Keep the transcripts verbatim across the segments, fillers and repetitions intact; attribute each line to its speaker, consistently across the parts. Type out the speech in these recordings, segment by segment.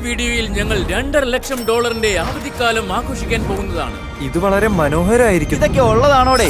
Speaker 1: വീഡിയോയിൽ ഞങ്ങൾ രണ്ടര ലക്ഷം ഡോളറിന്റെ അവധിക്കാലം ആഘോഷിക്കാൻ പോകുന്നതാണ്.
Speaker 2: ഇത് വളരെ മനോഹരമായിരിക്കും.
Speaker 3: ഇതൊക്കെ ഉള്ളതാണോടെ?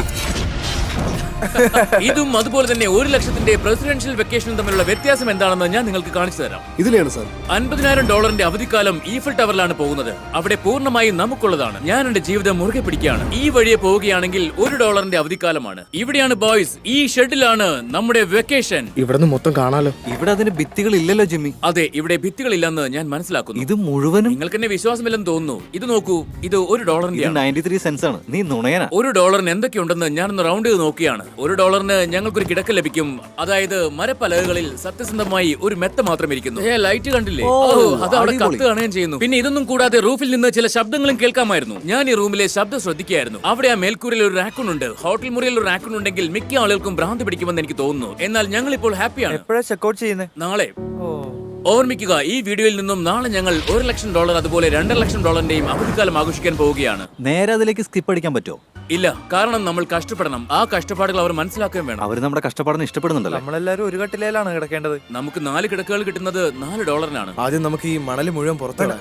Speaker 1: ഇതും അതുപോലെ തന്നെ ഒരു ലക്ഷത്തിന്റെ പ്രസിഡൻഷ്യൽ വെക്കേഷനും തമ്മിലുള്ള വ്യത്യാസം എന്താണെന്ന് ഞാൻ നിങ്ങൾക്ക് കാണിച്ചു തരാം.
Speaker 4: ഇതിലാണ് സാർ.
Speaker 1: അൻപതിനായിരം ഡോളറിന്റെ അവധിക്കാലം ഈഫൽ ടവറിലാണ് പോകുന്നത്. അവിടെ പൂർണ്ണമായും നമുക്കുള്ളതാണ്. ഞാൻ എന്റെ ജീവിതം മുറുകെ പിടിക്കുകയാണ്. ഈ വഴിയെ പോവുകയാണെങ്കിൽ ഒരു ഡോളറിന്റെ അവധിക്കാലമാണ്. ഇവിടെയാണ് ബോയ്സ്, ഈ ഷെഡിലാണ് നമ്മുടെ വെക്കേഷൻ.
Speaker 4: ഇവിടുന്ന് മൊത്തം കാണാലോ.
Speaker 3: ഇവിടെ അതിന് ഭിത്തികൾ ഇല്ലല്ലോ ജിമ്മി.
Speaker 1: അതെ, ഇവിടെ ഭിത്തികളില്ലെന്ന് ഞാൻ മനസ്സിലാക്കുന്നു.
Speaker 3: ഇത് മുഴുവനും
Speaker 1: നിങ്ങൾക്ക് എന്നെ വിശ്വാസമില്ലെന്ന് തോന്നുന്നു. ഇത് നോക്കൂ, ഇത് ഒരു ഡോളറിന്റെ
Speaker 3: നയൻറ്റി ത്രീ സെൻസ് ആണ്. നീ നുണയനാ.
Speaker 1: ഒരു ഡോളറിന് എന്തൊക്കെയുണ്ടെന്ന് ഞാനൊന്ന് റൗണ്ട് ചെയ്ത് നോക്കിയാണ്. ഒരു ഡോളറിന് ഞങ്ങൾക്കൊരു കിടക്ക ലഭിക്കും. അതായത് മരപ്പലകകളിൽ സത്യസന്ധമായി ഒരു മെത്ത മാത്രം ഇരിക്കുന്നു. ലൈറ്റ് കണ്ടില്ലേ? അത് അവിടെ കത്ത് കാണുകയും ചെയ്യുന്നു. പിന്നെ ഇതൊന്നും കൂടാതെ റൂഫിൽ നിന്ന് ചില ശബ്ദങ്ങളും കേൾക്കാമായിരുന്നു. ഞാൻ ഈ റൂമിലെ ശബ്ദം ശ്രദ്ധിക്കുകയായിരുന്നു. അവിടെ ആ മേൽക്കൂരയിൽ ഒരു റാക്കൂൺ ഉണ്ട്. ഹോട്ടൽ മുറിയിൽ ഒരു റാക്കൂൺ ഉണ്ടെങ്കിൽ മിക്ക ആളുകൾക്കും ഭ്രാന്ത് പിടിക്കുമെന്ന് എനിക്ക് തോന്നുന്നു. എന്നാൽ ഞങ്ങൾ ഇപ്പോൾ ഹാപ്പിയാണ്.
Speaker 2: എപ്പോഴാ ചെക്കൗട്ട് ചെയ്യുന്നത്?
Speaker 1: നാളെ. ഓർമ്മിക്കുക, ഈ വീഡിയോയിൽ നിന്നും നാളെ ഞങ്ങൾ ഒരു ലക്ഷം ഡോളർ അതുപോലെ രണ്ടര ലക്ഷം ഡോളറിന്റെയും അവധിക്കാലം ആഘോഷിക്കാൻ പോവുകയാണ്.
Speaker 3: നേരെ അതിലേക്ക് സ്കിപ്പ് അടിക്കാൻ പറ്റുമോ?
Speaker 1: ഇല്ല, കാരണം നമ്മൾ കഷ്ടപ്പെടണം. ആ കഷ്ടപ്പാടുകൾ അവർ മനസ്സിലാക്കുകയും വേണം.
Speaker 3: അവർ നമ്മുടെ കഷ്ടപ്പാടിന് ഇഷ്ടപ്പെടുന്നുണ്ടല്ലോ.
Speaker 2: നമ്മളെല്ലാരും ഒരു കട്ടിലാണ് കിടക്കേണ്ടത്.
Speaker 1: നമുക്ക് നാല് കിടക്കകൾ കിട്ടുന്നത് നാല് ഡോളറിനാണ്.
Speaker 4: ആദ്യം നമുക്ക് ഈ മണല് മുഴുവൻ പുറത്തിടാം.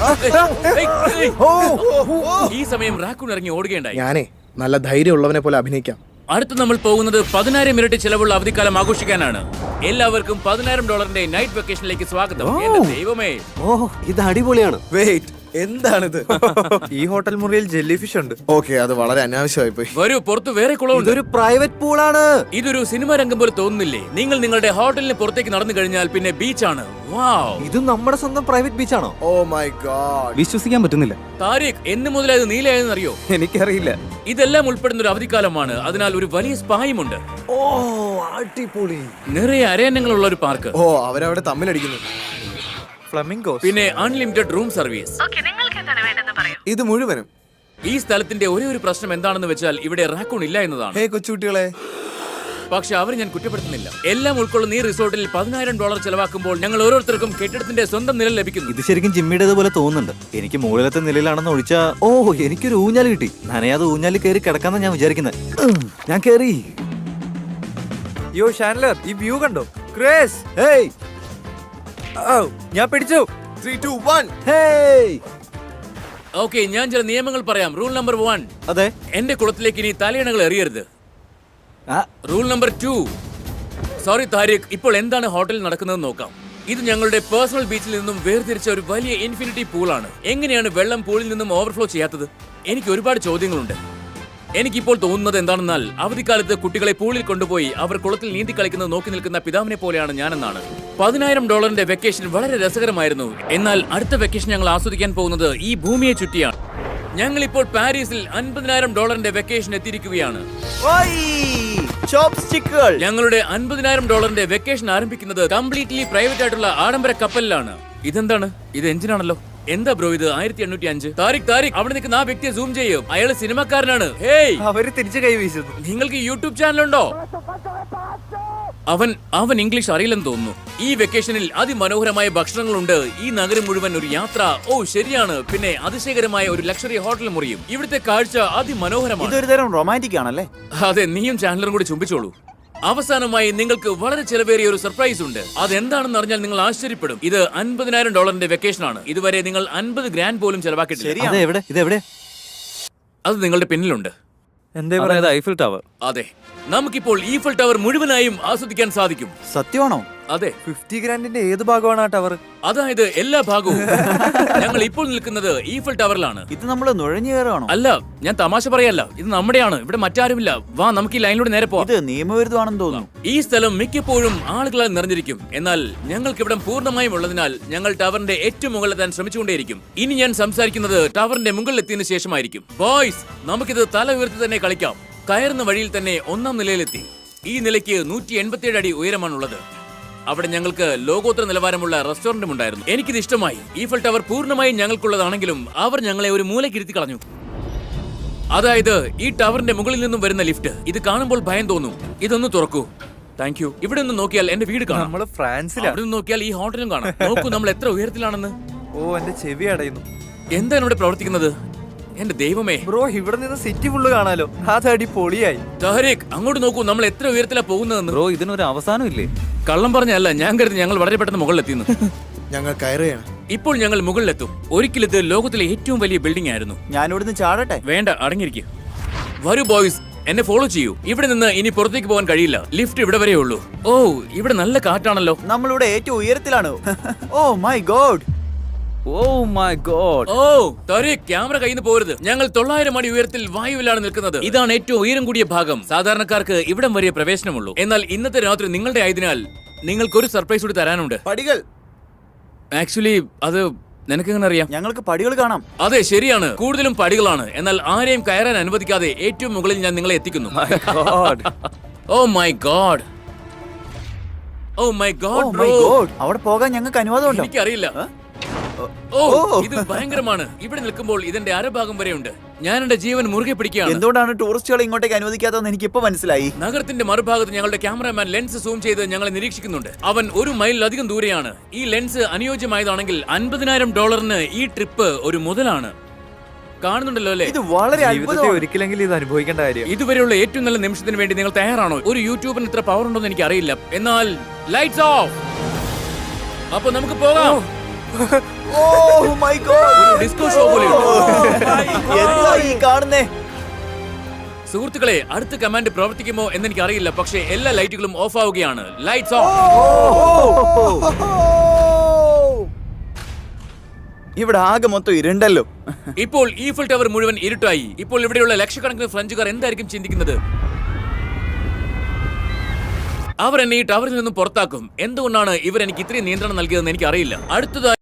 Speaker 1: ഈ സമയം റാക്കൂൺ ഇറങ്ങി ഓടുകയുണ്ടായി.
Speaker 4: ഞാനേ നല്ല ധൈര്യമുള്ളവനെ പോലെ അഭിനയിക്കാം.
Speaker 1: അടുത്ത് നമ്മൾ പോകുന്നത് പതിനായിരം ഇരട്ടി ചെലവുള്ള അവധിക്കാലം ആഘോഷിക്കാനാണ്. എല്ലാവർക്കും പതിനായിരം ഡോളറിന്റെ നൈറ്റ് വെക്കേഷനിലേക്ക് സ്വാഗതം. എന്റെ ദൈവമേ,
Speaker 3: ഓ ഇത് അടിപൊളിയാണ്.
Speaker 4: വെയിറ്റ്, എന്താണിത്?
Speaker 2: ഈ ഹോട്ടൽ മുറിയിൽ ജെല്ലി ഫിഷ് ഉണ്ട്.
Speaker 4: ഓക്കെ, അത് വളരെ അനാവശ്യമായി പോയി.
Speaker 1: വരൂ, പുറത്ത് വേറെ കുളമുണ്ട്.
Speaker 3: ഇതൊരു പ്രൈവറ്റ് പൂളാണ്.
Speaker 1: ഇതൊരു സിനിമ രംഗം പോലെ തോന്നുന്നില്ലേ? നിങ്ങൾ നിങ്ങളുടെ ഹോട്ടലിന് പുറത്തേക്ക് നടന്നു കഴിഞ്ഞാൽ പിന്നെ ബീച്ചാണ്. വാവ്,
Speaker 3: ഇത് നമ്മുടെ സ്വന്തം പ്രൈവറ്റ് ബീച്ചാണോ?
Speaker 4: ഓ മൈ ഗോഡ്,
Speaker 3: വിശ്വസിക്കാൻ പറ്റുന്നില്ല.
Speaker 1: താരിഖ്, എന്ന് മുതലായത് നീലയായെന്ന് അറിയോ?
Speaker 2: എനിക്കറിയില്ല.
Speaker 1: ഇതെല്ലാം ഉൾപ്പെടുന്ന ഒരു അവധിക്കാലമാണ്. അതിനാൽ ഒരു വലിയ സ്പായുമുണ്ട്.
Speaker 3: ഓ അടിപൊളി.
Speaker 1: നിറയെ അരയന്നങ്ങളുള്ള ഒരു പാർക്ക്.
Speaker 4: ഓ അവരവിടെ തമ്മിലടിക്കുന്നു.
Speaker 2: ഫ്ലമിംഗോ.
Speaker 1: പിന്നെ അൺലിമിറ്റഡ് റൂം സർവീസ്.
Speaker 4: ഇത് മുഴുവനും.
Speaker 1: ഈ സ്ഥലത്തിന്റെ ഒരേ ഒരു പ്രശ്നം എന്താണെന്ന് വെച്ചാൽ ഇവിടെ റാക്കൂൺ ഇല്ല എന്നതാണ്.
Speaker 4: ഹേ കൊച്ചുകുട്ടികളെ,
Speaker 1: പക്ഷെ അവരെ ഞാൻ കുറ്റപ്പെടുത്തുന്നില്ല. എല്ലാം ഉൾക്കൊള്ളുന്ന ഈ റിസോർട്ടിൽ പതിനായിരം ഡോളർ ചെലവാക്കുമ്പോൾ ഞങ്ങൾ ഓരോരുത്തർക്കും കെട്ടിടത്തിന്റെ സ്വന്തം നില ലഭിക്കുന്നു.
Speaker 3: ഇത് ശരിക്കും ജിമ്മിയുടേത് പോലെ തോന്നുന്നുണ്ട്. എനിക്ക് മുകളിലത്തെ നിലയിലാണെന്ന് ഒഴിച്ചാ ഓ എനിക്കൊരു ഊഞ്ഞാല് കിട്ടി. നനയാതെ ഊഞ്ഞാലിൽ കയറി കിടക്കാന്നാ ഞാൻ വിചാരിക്കുന്നത്. ഞാൻ കയറി.
Speaker 2: യോ ഷാൻലർ, ഈ വ്യൂ കണ്ടോ? ക്രേസ്,
Speaker 3: ഹേയ്
Speaker 2: ഓ ഞാൻ പിടിച്ചു.
Speaker 4: Three two one.
Speaker 3: Hey.
Speaker 1: Okay, ഞാൻ ചില നിയമങ്ങൾ പറയാം. റൂൾ നമ്പർ വൺ,
Speaker 3: അതെ.
Speaker 1: എന്റെ കുളത്തിലേക്ക് ഇനി തലയിണകൾ എറിയരുത്.
Speaker 3: ആ,
Speaker 1: rule number two, sorry Tariq, ഇപ്പോൾ എന്താണ് ഹോട്ടലിൽ നടക്കുന്നതെന്ന് നോക്കാം. ഇത് ഞങ്ങളുടെ പേഴ്സണൽ ബീച്ചിൽ നിന്നും വേർതിരിച്ച ഒരു വലിയ ഇൻഫിനിറ്റി പൂളാണ്. എങ്ങനെയാണ് വെള്ളം പൂളിൽ നിന്നും ഓവർഫ്ലോ ചെയ്യാത്തത്? എനിക്ക് ഒരുപാട് ചോദ്യങ്ങളുണ്ട്. എനിക്കിപ്പോൾ തോന്നുന്നത് എന്താണെന്നാൽ അവധിക്കാലത്ത് കുട്ടികളെ പൂളിൽ കൊണ്ടുപോയി അവർ കുളത്തിൽ നീന്തി കളിക്കുന്നത് നോക്കി നിൽക്കുന്ന പിതാവിനെ പോലെയാണ് ഞാനെന്നാണ്. പതിനായിരം ഡോളറിന്റെ വെക്കേഷൻ വളരെ രസകരമായിരുന്നു. എന്നാൽ അടുത്ത വെക്കേഷൻ ഞങ്ങൾ ആസ്വദിക്കാൻ പോകുന്നത് ഈ ഭൂമിയെ ചുറ്റിയാണ്. ഞങ്ങൾ ഇപ്പോൾ പാരീസിൽ അൻപതിനായിരം ഡോളറിന്റെ വെക്കേഷൻ എത്തിയിരിക്കുകയാണ്. ഞങ്ങളുടെ അൻപതിനായിരം ഡോളറിന്റെ വെക്കേഷൻ ആരംഭിക്കുന്നത് കംപ്ലീറ്റ്ലി പ്രൈവറ്റ് ആയിട്ടുള്ള ആഡംബര കപ്പലിലാണ്. ഇതെന്താണ്? ഇത് എഞ്ചിനാണല്ലോ. എന്താ ബ്രോ ഇത്? ആയിരത്തി എണ്ണൂറ്റി അഞ്ച്. താരിഖ് താരിഖ് അവിടെ നിൽക്കുന്ന ആ വ്യക്തിയെ സൂം ചെയ്യും. അയാള് സിനിമക്കാരനാണ്. ഹേയ്,
Speaker 2: അവര് തിരിച്ചു കൈ വീശുന്നു.
Speaker 1: നിങ്ങൾക്ക് യൂട്യൂബ് ചാനലുണ്ടോ? അവൻ അവൻ ഇംഗ്ലീഷ് അറിയില്ലെന്ന് തോന്നുന്നു. ഈ വെക്കേഷനിൽ അതിമനോഹരമായ ഭക്ഷണങ്ങളുണ്ട്. ഈ നഗരം മുഴുവൻ ഒരു യാത്ര. ഓ ശരിയാണ്. പിന്നെ അതിശയകരമായ ഒരു ലക്ഷറി ഹോട്ടൽ മുറിയും. ഇവിടുത്തെ കാഴ്ച അതിമനോഹരമാണ്.
Speaker 3: ഇതൊരു തരം റൊമാൻറ്റിക് ആണല്ലേ?
Speaker 1: അതെ, നീയും ചാനലറും കൂടി ചുംബിച്ചോളൂ. അവസാനമായി നിങ്ങൾക്ക് വളരെ ചെലവേറിയ ഒരു സർപ്രൈസ് ഉണ്ട്. അതെന്താണെന്ന് അറിഞ്ഞാൽ നിങ്ങൾ ആശ്ചര്യപ്പെടും. ഇത് അൻപതിനായിരം ഡോളറിന്റെ വെക്കേഷൻ ആണ്. ഇതുവരെ നിങ്ങൾ അൻപത് ഗ്രാൻഡ് പോലും ചെലവാക്കിയിട്ടില്ല. അത് നിങ്ങളുടെ പിന്നിലുണ്ട്.
Speaker 2: Eiffel tower.
Speaker 1: അതെ, നമുക്കിപ്പോൾ ഈഫൽ ടവർ മുഴുവനായും ആസ്വദിക്കാൻ സാധിക്കും.
Speaker 3: സത്യമാണോ?
Speaker 1: അതെ.
Speaker 2: ഫിഫ്റ്റി ഗ്രാൻഡിന്റെ ഏത് ഭാഗമാണ് ആ ടവർ?
Speaker 1: അതായത് എല്ലാ ഭാഗവും. ഞങ്ങൾ ഇപ്പോൾ നിൽക്കുന്നത് ഈഫൽ ടവറിലാണ്.
Speaker 3: ഇത് നമ്മൾ നുഴഞ്ഞു കയറാണോ?
Speaker 1: അല്ല, ഞാൻ തമാശ പറയല്ല. ഇത് നമ്മുടെയാണ്. ഇവിടെ മറ്റാരുമില്ല. വാ, നമുക്ക് ഈ ലൈനിലൂടെ നേരെ പോവാം.
Speaker 3: ഇത് നിയമവിരുദ്ധമാണെന്ന് തോന്നുന്നു.
Speaker 1: ഈ സ്ഥലം മിക്കപ്പോഴും ആളുകളാൽ നിറഞ്ഞിരിക്കും. എന്നാൽ ഞങ്ങൾക്ക് ഇവിടെ പൂർണ്ണമായും ഉള്ളതിനാൽ ഞങ്ങൾ ടവറിന്റെ ഏറ്റവും മുകളിലെത്താൻ ശ്രമിച്ചുകൊണ്ടേയിരിക്കും. ഇനി ഞാൻ സംസാരിക്കുന്നത് ടവറിന്റെ മുകളിലെത്തിയതിനു ശേഷമായിരിക്കും. ബോയ്സ്, നമുക്കിത് തല ഉയർത്തി തന്നെ കളിക്കാം. കയറുന്ന വഴിയിൽ തന്നെ ഒന്നാം നിലയിലെത്തി. ഈ നിലയ്ക്ക് നൂറ്റി എൺപത്തിയേഴ് അടി ഉയരമാണുള്ളത്. അവിടെ ഞങ്ങൾക്ക് ലോകോത്തര നിലവാരമുള്ള റെസ്റ്റോറന്റും ഉണ്ടായിരുന്നു. എനിക്കിത് ഇഷ്ടമായി. ഈഫൽ ടവർ പൂർണ്ണമായും ഞങ്ങൾക്കുള്ളതാണെങ്കിലും അവർ ഞങ്ങളെ ഒരു മൂലക്കിരുത്തി കളഞ്ഞു. അതായത് ഈ ടവറിന്റെ മുകളിൽ നിന്നും വരുന്ന ലിഫ്റ്റ്. ഇത് കാണുമ്പോൾ ഭയം തോന്നും. ഇതൊന്ന് തുറക്കൂ. Thank you. ഇവിടെ നിന്ന് നോക്കിയാൽ എന്റെ വീട് കാണാം.
Speaker 2: നമ്മള് ഫ്രാൻസിലാണ്.
Speaker 1: അവിടെ നിന്ന് നോക്കിയാൽ ഈ ഹോട്ടലും കാണാം. നോക്കൂ, നമ്മൾ എത്ര ഉയരത്തിലാണെന്ന്.
Speaker 2: ഓ എന്റെ ചെവി അടയുന്നു.
Speaker 1: എന്താണ് ഇവിടെ പ്രവർത്തിക്കുന്നത്? എന്റെ ദൈവമേ
Speaker 2: ബ്രോ, ഇവിടെ നിന്ന് സിറ്റി ഫുള്ള് കാണാലോ. അതടി പൊളിയായി.
Speaker 1: താരിഖ്, അങ്ങോട്ട് നോക്കൂ, നമ്മൾ എത്ര ഉയരത്തിലാ പോകുന്നതെന്ന്.
Speaker 3: ബ്രോ, ഇതിനൊരു അവസാനം ഇല്ലേ?
Speaker 1: കള്ളം പറഞ്ഞല്ല, ഞാൻ കരുതി ഞങ്ങൾ വളരെ പെട്ടെന്ന് മുകളിലെത്തിയെന്ന്.
Speaker 4: ഞങ്ങൾ കയറുകയാണ്.
Speaker 1: ഇപ്പോൾ ഞങ്ങൾ മുകളിലെത്തും. ഒരിക്കൽ ഇത് ലോകത്തിലെ ഏറ്റവും വലിയ ബിൽഡിംഗ് ആയിരുന്നു.
Speaker 5: ഞാൻ ഇവിടുന്ന് ചാടട്ടെ?
Speaker 1: വേണ്ട, അടങ്ങിയിരിക്കും. വരൂ ബോയ്സ്, എന്നെ ഫോളോ ചെയ്യൂ. ഇവിടെ നിന്ന് ഇനി പുറത്തേക്ക് പോകാൻ കഴിയില്ല. ലിഫ്റ്റ് ഇവിടെ വരെ ഉള്ളൂ. ഓ, ഇവിടെ നല്ല കാറ്റാണല്ലോ.
Speaker 5: നമ്മളിവിടെ ഏറ്റവും ഉയരത്തിലാണ്. Oh my god.
Speaker 2: Oh my god.
Speaker 1: ഓ താരിഖ്, ക്യാമറ കയ്യിൽ നിന്ന് പോരുത്. ഞങ്ങൾ തൊള്ളായിരം അടി ഉയരത്തിൽ വായുവിലാണ് നിൽക്കുന്നത്. ഇതാണ് ഏറ്റവും ഉയരം കൂടിയ ഭാഗം. സാധാരണക്കാർക്ക് ഇവിടം വരെ പ്രവേശനമുള്ളൂ. എന്നാൽ ഇന്നത്തെ രാത്രി നിങ്ങളുടെ ആയതിനാൽ നിങ്ങൾക്കൊരു സർപ്രൈസ് കൂടി തരാനുണ്ട്.
Speaker 5: പടികൾ.
Speaker 1: ആക്ച്വലി അത് നിനക്കെങ്ങനെ അറിയാം?
Speaker 5: ഞങ്ങൾക്ക് പടികൾ കാണാം.
Speaker 1: അതെ, ശരിയാണ്. കൂടുതലും പടികളാണ്. എന്നാൽ ആരെയും കയറാൻ അനുവദിക്കാതെ ഏറ്റവും മുകളിൽ ഞാൻ നിങ്ങളെ എത്തിക്കുന്നു. Oh my god. Oh my
Speaker 5: oh
Speaker 1: god
Speaker 5: my
Speaker 1: bro.
Speaker 5: God. അവിടെ പോകാൻ ഞങ്ങൾക്ക് അനുവാദമുണ്ടോ?
Speaker 1: എനിക്കറിയില്ല. ഓ, ഇത് ഭയങ്കരമാണ്. ഇവിടെ നിൽക്കുമ്പോൾ ഇതിന്റെ അരഭാഗം വരെയുണ്ട്. ഞാൻ എന്റെ ജീവൻ മുറുകെ പിടിക്കുകയാണ്.
Speaker 5: എന്തുകൊണ്ടാണ് ടൂറിസ്റ്റുകളെ ഇങ്ങോട്ടേക്ക് അനുവദിക്കാത്തതെന്ന് എനിക്ക് ഇപ്പൊ മനസ്സിലായി.
Speaker 1: നഗരത്തിന്റെ മറുഭാഗത്ത് ഞങ്ങളുടെ ക്യാമറാമാൻ ലെൻസ് സൂം ചെയ്ത് ഞങ്ങളെ നിരീക്ഷിക്കുന്നുണ്ട്. അവൻ ഒരു മൈലിലധികം ദൂരെയാണ്. ഈ ലെൻസ് അനുയോജ്യമായതാണെങ്കിൽ അൻപതിനായിരം ഡോളറിന് ഈ ട്രിപ്പ് ഒരു മുതലാണ്. കാണുന്നുണ്ടല്ലോ അല്ലേ?
Speaker 5: ഇത് വളരെ
Speaker 2: ജീവിതത്തിൽ
Speaker 5: അത്ഭുതമാണ്.
Speaker 2: ഒരിക്കലെങ്കിലും ഇത് അനുഭവിക്കേണ്ട കാര്യം.
Speaker 1: ഇതുവരെയുള്ള ഏറ്റവും നല്ല നിമിഷത്തിന് വേണ്ടി നിങ്ങൾ തയ്യാറാണോ? ഒരു യൂട്യൂബിന് ഇത്ര പവർ ഉണ്ടോന്ന് എനിക്ക് അറിയില്ല. എന്നാൽ ലൈറ്റ്സ് ഓഫ്. അപ്പൊ നമുക്ക് പോകാം.
Speaker 5: Oh my god.
Speaker 1: ഒരു ഡിസ്കോ ഷോ പോലെയുണ്ട്.
Speaker 5: എന്താ ഈ കാണുന്നേ?
Speaker 1: സുഹൃത്തുക്കളെ, അടുത്ത കമാൻഡ് പ്രവർത്തിക്കുമോ എന്ന് എനിക്ക് അറിയില്ല. പക്ഷേ എല്ലാ ലൈറ്റുകളും ഓഫ് ആവുകയാണ്. Lights off.
Speaker 5: ഇവിടെ ആകെ മൊത്തം ഇരുണ്ടല്ലോ.
Speaker 1: ഇപ്പോൾ ഈഫൽ ടവർ മുഴുവൻ ഇരുട്ടായി. ഇപ്പോൾ ഇവിടെയുള്ള ലക്ഷക്കണക്കിന് ഫ്രഞ്ചുകാർ എന്തായിരിക്കും ചിന്തിക്കുന്നത്? അവർ എന്നെ ഈ ടവറിൽ നിന്നും പുറത്താക്കും. എന്തുകൊണ്ടാണ് ഇവർ എനിക്ക് ഇത്രയും നിയന്ത്രണം നൽകിയതെന്ന് എനിക്ക് അറിയില്ല. അടുത്തതായി